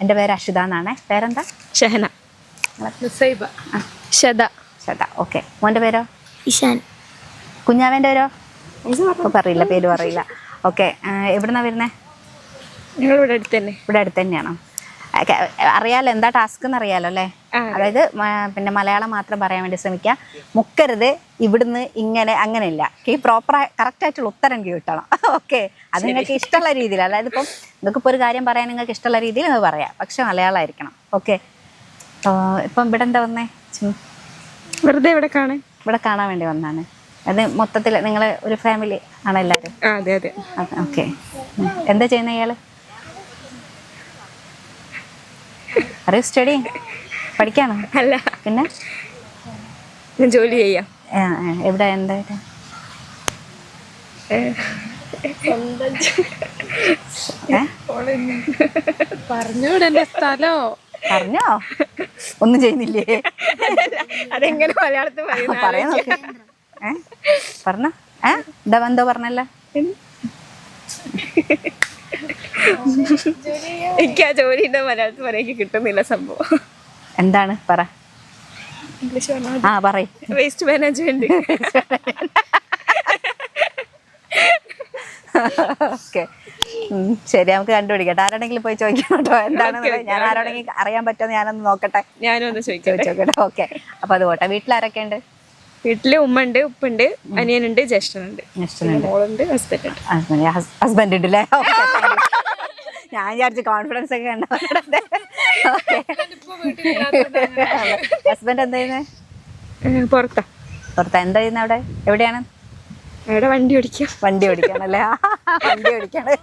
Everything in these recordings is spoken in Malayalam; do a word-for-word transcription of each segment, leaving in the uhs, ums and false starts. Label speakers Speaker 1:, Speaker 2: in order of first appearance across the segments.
Speaker 1: എൻ്റെ പേര് അഷിത എന്നാണേ. പേരെന്താ?
Speaker 2: ഷഹന. ഷദ.
Speaker 1: ഷദ. ഓക്കെ. മോൻ്റെ പേരോ?
Speaker 3: ഇഷാൻ.
Speaker 1: കുഞ്ഞാവേൻ്റെ പേരോ? പറയില്ല, പേര് പറയില്ല. ഓക്കെ. എവിടുന്നാ വരുന്നേ?
Speaker 2: ഞങ്ങളിവിടെ അടുത്ത് തന്നെ.
Speaker 1: ഇവിടെ അടുത്ത് തന്നെയാണോ? അറിയാലോ എന്താ ടാസ്ക് എന്ന് അറിയാലോ അല്ലേ? അതായത് പിന്നെ മലയാളം മാത്രം പറയാൻ വേണ്ടി ശ്രമിക്കുക. മുക്കരുത്, ഇവിടുന്ന് ഇങ്ങനെ അങ്ങനെയില്ല. ഈ പ്രോപ്പർ കറക്റ്റ് ആയിട്ടുള്ള ഉത്തരം കിട്ടണം. ഓക്കെ. അത് നിങ്ങൾക്ക് ഇഷ്ടമുള്ള രീതിയിൽ, അതായത് ഇപ്പം നിങ്ങൾക്ക് ഇപ്പോൾ ഒരു കാര്യം പറയാൻ നിങ്ങൾക്ക് ഇഷ്ടമുള്ള രീതിയിൽ നിങ്ങൾ പറയാം, പക്ഷെ മലയാളമായിരിക്കണം. ഓക്കെ. ഇപ്പം ഇവിടെ എന്താ വന്നേ?
Speaker 2: വെറുതെ ഇവിടെ കാണാൻ
Speaker 1: ഇവിടെ കാണാൻ വേണ്ടി വന്നാണ്. അത് മൊത്തത്തിൽ നിങ്ങൾ ഒരു ഫാമിലി ആണ് എല്ലാവരും?
Speaker 2: അതെ അതെ.
Speaker 1: ഓക്കെ. എന്താ ചെയ്യുന്ന ഇയാള്? അറിയോ സ്റ്റഡി? പഠിക്കാണോ?
Speaker 2: അല്ല,
Speaker 1: പിന്നെ
Speaker 2: ജോലി ചെയ്യാം.
Speaker 1: എവിടെ? എന്തായിട്ട്?
Speaker 2: പറഞ്ഞൂടെ സ്ഥലോ?
Speaker 1: പറഞ്ഞോ? ഒന്നും ചെയ്യുന്നില്ലേ?
Speaker 2: അതെങ്ങനെ മലയാളത്തിൽ
Speaker 1: പറയാൻ നോക്ക്. ഏ പറഞ്ഞ ഏ എന്താ എന്തോ പറഞ്ഞല്ലോ?
Speaker 2: എനിക്ക് ആ ജോലിന്റെ മലയാളത്തിൽ പറയാൻ കിട്ടുന്നില്ല സംഭവം.
Speaker 1: എന്താണ്? പറ.
Speaker 2: ഇംഗ്ലീഷ്
Speaker 1: ആ പറയ്.
Speaker 2: Waste management.
Speaker 1: ഓക്കെ. ശരി, നമുക്ക് കണ്ടുപിടിക്കട്ടെ. ആരോടെങ്കിലും പോയി ചോദിക്കണം കേട്ടോ എന്താണെന്ന്. ഞാൻ ആരോടെങ്കിലും അറിയാൻ പറ്റുമെന്ന് ഞാനൊന്ന് നോക്കട്ടെ.
Speaker 2: ഞാനും ഒന്ന് ചോദിച്ചോട്ടെ.
Speaker 1: ഓക്കെ. അപ്പൊ അത് പോട്ടെ. വീട്ടിലാരൊക്കെ ഉണ്ട്?
Speaker 2: വീട്ടില് ഉമ്മ ഉണ്ട്, ഉപ്പുണ്ട്, അനിയനുണ്ട്, ജ്യേഷ്ഠനുണ്ട്, മോളുണ്ട്, ഹസ്ബൻഡ് ഉണ്ട്.
Speaker 1: ഹസ്ബൻഡ് ഉണ്ട് അല്ലേ? ഞാൻ വിചാരിച്ചു കോൺഫിഡൻസ് ഒക്കെ ഉണ്ടോ. ഹസ്ബൻഡ് എന്താ ചെയ്യുന്നത്?
Speaker 2: പുറത്താ.
Speaker 1: പുറത്താ. എന്താ ചെയ്യുന്നത് അവിടെ? എവിടെയാണ്?
Speaker 2: അവിടെ വണ്ടി ഓടിക്കാം.
Speaker 1: വണ്ടി ഓടിക്കാണല്ലേ? വണ്ടി ഓടിക്കാണ്.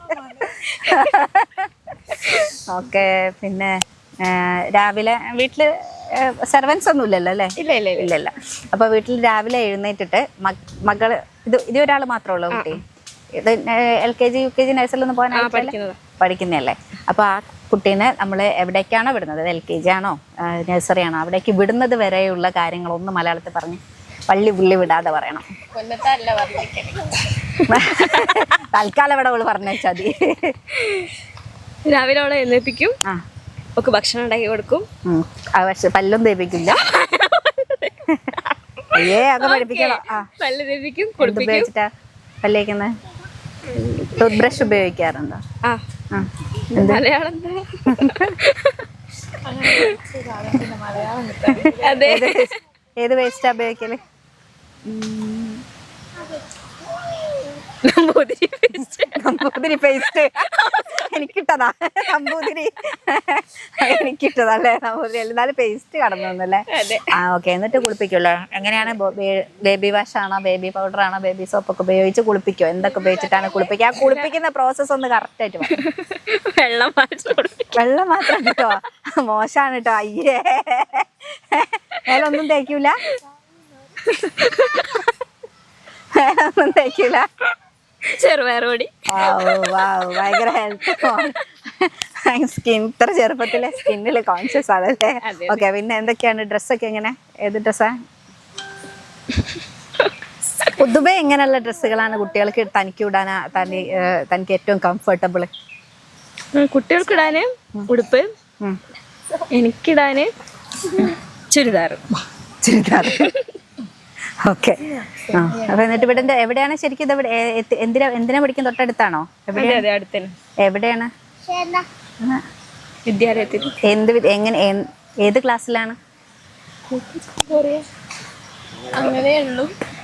Speaker 1: ഓക്കെ. പിന്നെ രാവിലെ വീട്ടില് സെർവൻസ് ഒന്നും ഇല്ലല്ലോ അല്ലേ?
Speaker 2: ഇല്ല ഇല്ല
Speaker 1: ഇല്ല ഇല്ല. അപ്പൊ വീട്ടിൽ രാവിലെ എഴുന്നേറ്റിട്ട് മകള് ഇത് ഇത് ഒരാൾ മാത്രമേ ഉള്ളൂ കുട്ടി? ഇത് L K G U K G നഴ്സറിലൊന്നും പോകാൻ പഠിക്കുന്നതല്ലേ? അപ്പൊ ആ കുട്ടീനെ നമ്മൾ എവിടേക്കാണോ വിടുന്നത്, എൽ കെ ജി ആണോ നഴ്സറി ആണോ, അവിടേക്ക് വിടുന്നത് വരെയുള്ള കാര്യങ്ങളൊന്നും മലയാളത്തിൽ പറഞ്ഞ് പള്ളി പുള്ളി വിടാതെ പറയണം. തൽക്കാലം ഇവിടെ അവള് പറഞ്ഞു വെച്ചാൽ മതി.
Speaker 2: രാവിലെ അവളെ എഴുന്നേൽപ്പിക്കും,
Speaker 1: ആ
Speaker 2: ഒക്കെ ഭക്ഷണം ഉണ്ടാക്കി കൊടുക്കും.
Speaker 1: പക്ഷെ പല്ലും തേപ്പിക്കില്ല. അയ്യേ ഒക്കെ പഠിപ്പിക്കണം.
Speaker 2: പല്ല് തേപ്പിക്കും, കുളിപ്പിക്കും.
Speaker 1: പല്ലേക്കുന്നത് ടൂത്ത് ബ്രഷ് ഉപയോഗിക്കാറുണ്ടോ?
Speaker 2: ആ മലയാളം അതെ.
Speaker 1: ഏത് വേസ്റ്റാ ഉപയോഗിക്കല്? നമ്പൂതിരി പേസ്റ്റ്. എനിക്കിട്ടതാ നമ്പൂതിരി, എനിക്കിട്ടതല്ലേ നമ്പൂതിരി. എന്നാലും പേസ്റ്റ് കടന്നല്ലേ? ആ ഓക്കെ. എന്നിട്ട് കുളിപ്പിക്കുമല്ലോ. എങ്ങനെയാണ്? ബേബി വാഷ് ആണോ, ബേബി പൗഡർ ആണോ, ബേബി സോപ്പ് ഒക്കെ ഉപയോഗിച്ച് കുളിപ്പിക്കോ? എന്തൊക്കെ ഉപയോഗിച്ചിട്ടാണ് കുളിപ്പിക്കുക? ആ കുളിപ്പിക്കുന്ന പ്രോസസ്സ് ഒന്ന് കറക്റ്റ് ആയിട്ട്
Speaker 2: വെള്ളം
Speaker 1: വെള്ളം മാത്രം കേട്ടോ. മോശമാണ് കേട്ടോ. അയ്യേ, വേലൊന്നും തേക്കൂല? വേലൊന്നും തേക്കൂല?
Speaker 2: ചെറുപയറുപൊടി.
Speaker 1: ഭയങ്കര ഹെൽത്ത്. സ്കിൻ ഇത്ര ചെറുപ്പത്തിലെ സ്കിന്നില് കോൺഷ്യസ് ആണല്ലേ? ഓക്കെ. പിന്നെ എന്തൊക്കെയാണ് ഡ്രസ്സൊക്കെ? എങ്ങനെ, ഏത് ഡ്രസ്സാ? പൊതുവെ എങ്ങനെയുള്ള ഡ്രസ്സുകളാണ് കുട്ടികൾക്ക് തനിക്ക് ഇടാനാ തനി തനിക്ക് ഏറ്റവും കംഫർട്ടബിൾ?
Speaker 2: കുട്ടികൾക്ക് ഇടാന് ഉടുപ്പ്, എനിക്കിടാന് ചുരിദാർ.
Speaker 1: ചുരിദാർ. ഓക്കെ. ആ അപ്പൊ എന്നിട്ട് ഇവിടെ എവിടെയാണ് ശരിക്കും? ഇത് എവിടെ, എന്തിനാ എന്തിനാ പഠിക്കും? തൊട്ടടുത്താണോ? എവിടെയാണ്?
Speaker 2: വിദ്യാലയത്തിൽ.
Speaker 1: എന്ത് എങ്ങനെ ഏത് ക്ലാസ്സിലാണ്?
Speaker 2: അങ്ങനെയുള്ളൂ.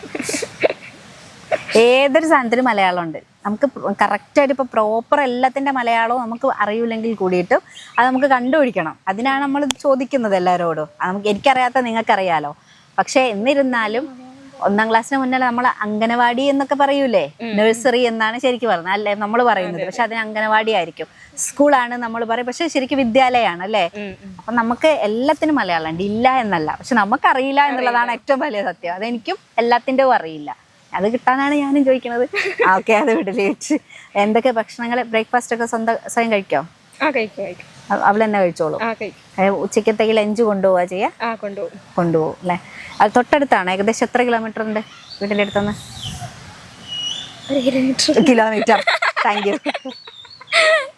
Speaker 1: ഏതൊരു സാധനത്തിനും മലയാളം ഉണ്ട്. നമുക്ക് കറക്റ്റായിട്ട് ഇപ്പോൾ പ്രോപ്പർ എല്ലാത്തിൻ്റെ മലയാളവും നമുക്ക് അറിയില്ലെങ്കിൽ കൂടിയിട്ടും അത് നമുക്ക് കണ്ടുപിടിക്കണം. അതിനാണ് നമ്മൾ ചോദിക്കുന്നത് എല്ലാവരോടും. നമുക്ക് എനിക്കറിയാത്ത നിങ്ങൾക്കറിയാലോ. പക്ഷെ എന്നിരുന്നാലും ഒന്നാം ക്ലാസ്സിന് മുന്നേ നമ്മൾ അംഗനവാടി എന്നൊക്കെ പറയൂലേ? നഴ്സറി എന്നാണ് ശരിക്കും പറയുന്നത് അല്ലേ നമ്മൾ പറയുന്നത്. പക്ഷെ അതിന് അംഗനവാടി ആയിരിക്കും. സ്കൂളാണ് നമ്മൾ പറയും, പക്ഷെ ശരിക്കും വിദ്യാലയമാണ് അല്ലേ? അപ്പൊ നമുക്ക് എല്ലാത്തിനും മലയാളം ഉണ്ട്, ഇല്ല എന്നല്ല. പക്ഷെ നമുക്കറിയില്ല എന്നുള്ളതാണ് ഏറ്റവും വലിയ സത്യം. അതെനിക്കും എല്ലാത്തിൻ്റെയും അറിയില്ല. അത് കിട്ടാനാണ് ഞാനും ചോദിക്കുന്നത്. ഓക്കെ. അത് വിടല് വെച്ച് എന്തൊക്കെ ഭക്ഷണങ്ങൾ, ബ്രേക്ക്ഫാസ്റ്റ് ഒക്കെ സ്വന്തം സ്വയം കഴിക്കോ? അവൾ തന്നെ കഴിച്ചോളൂ? ഉച്ചക്കത്തേക്ക് ലഞ്ച് കൊണ്ടുപോവാ ചെയ്യാ? കൊണ്ടുപോകും അല്ലേ? അത് തൊട്ടടുത്താണ്. ഏകദേശം എത്ര കിലോമീറ്റർ ഉണ്ട് വീട്ടിൻ്റെ അടുത്തുനിന്ന്? കിലോമീറ്റർ. Thank you.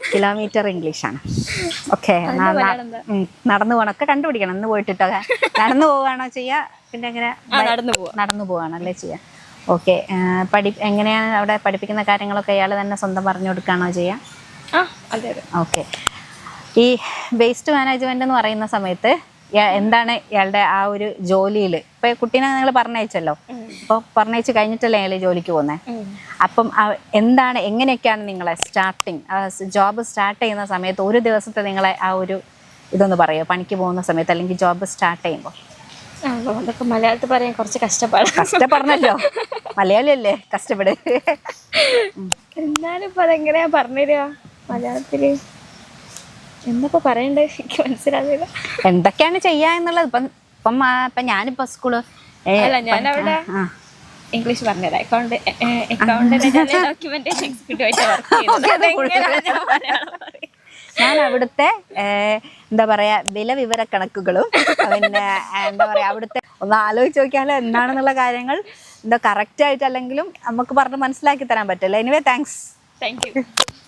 Speaker 1: കിലോമീറ്റർ ഇംഗ്ലീഷാണ്. ഓക്കെ, നടന്നു പോകണമൊക്കെ കണ്ടുപിടിക്കണം. ഇന്ന് പോയിട്ടിട്ടോ നടന്നു പോവുകയാണോ ചെയ്യുക, പിന്നെ എങ്ങനെ
Speaker 2: നടന്നു പോവാ
Speaker 1: നടന്നു പോവാണല്ലേ ചെയ്യുക? ഓക്കെ, പഠി എങ്ങനെയാണ് അവിടെ പഠിപ്പിക്കുന്ന കാര്യങ്ങളൊക്കെ ഇയാൾ തന്നെ സ്വന്തം പറഞ്ഞു കൊടുക്കുകയാണോ ചെയ്യുക?
Speaker 2: ആ അതെ അതെ.
Speaker 1: ഓക്കെ, ഈ വേസ്റ്റ് മാനേജ്മെന്റ് എന്ന് പറയുന്ന സമയത്ത് ഇയാ- എന്താണ് ഇയാളുടെ ആ ഒരു ജോലിയിൽ ഇപ്പൊ കുട്ടീനെ നിങ്ങൾ പറഞ്ഞയച്ചല്ലോ, അപ്പോൾ പറഞ്ഞയച്ച് കഴിഞ്ഞിട്ടല്ലേ അയാൾ ജോലിക്ക് പോകുന്നത്. അപ്പം ആ- എന്താണ് എങ്ങനെയൊക്കെയാണ് നിങ്ങളെ സ്റ്റാർട്ടിങ് ജോബ് സ്റ്റാർട്ട് ചെയ്യുന്ന സമയത്ത് ഒരു ദിവസത്തെ നിങ്ങളെ ആ ഒരു ഇതൊന്ന് പറയുമോ? പണിക്ക് പോകുന്ന സമയത്ത് അല്ലെങ്കിൽ ജോബ് സ്റ്റാർട്ട് ചെയ്യുമ്പോൾ.
Speaker 2: ആ, അതൊക്കെ മലയാളത്തിൽ പറയാൻ കുറച്ച് കഷ്ടപ്പാടാണ്.
Speaker 1: കഷ്ടപ്പെടണല്ലോ, മലയാളിയല്ലേ, കഷ്ടപ്പെട്.
Speaker 2: എന്നാലും ഇപ്പൊ അതെങ്ങനെയാ പറഞ്ഞുതരിക മലയാളത്തില്? എന്നപ്പോ പറയണ്ടേ, എനിക്ക് മനസ്സിലാവില്ല.
Speaker 1: എന്തൊക്കെയാണ് ചെയ്യാ എന്നുള്ളത്. ഇപ്പം ഇപ്പം ആ, ഇപ്പം ഞാനിപ്പോ സ്കൂള്
Speaker 2: അല്ല ഞാനവിടെ ഇംഗ്ലീഷ് പറഞ്ഞുതരാം. അക്കൗണ്ട് അക്കൗണ്ടിന്റെ ഡോക്യുമെന്റേഷൻ എക്സിക്യൂട്ടീവ് ആയിട്ട് വർക്ക് ചെയ്തത്.
Speaker 1: ഞാൻ അവിടുത്തെ എന്താ പറയാ വില വിവര കണക്കുകളും പിന്നെ എന്താ പറയാ അവിടുത്തെ ഒന്ന് ആലോചിച്ച് നോക്കിയാലോ എന്താണെന്നുള്ള കാര്യങ്ങൾ എന്താ കറക്റ്റ് ആയിട്ട് അല്ലെങ്കിലും നമുക്ക് പറഞ്ഞ് മനസ്സിലാക്കി തരാൻ പറ്റില്ല. Anyway thanks.
Speaker 2: Thank U.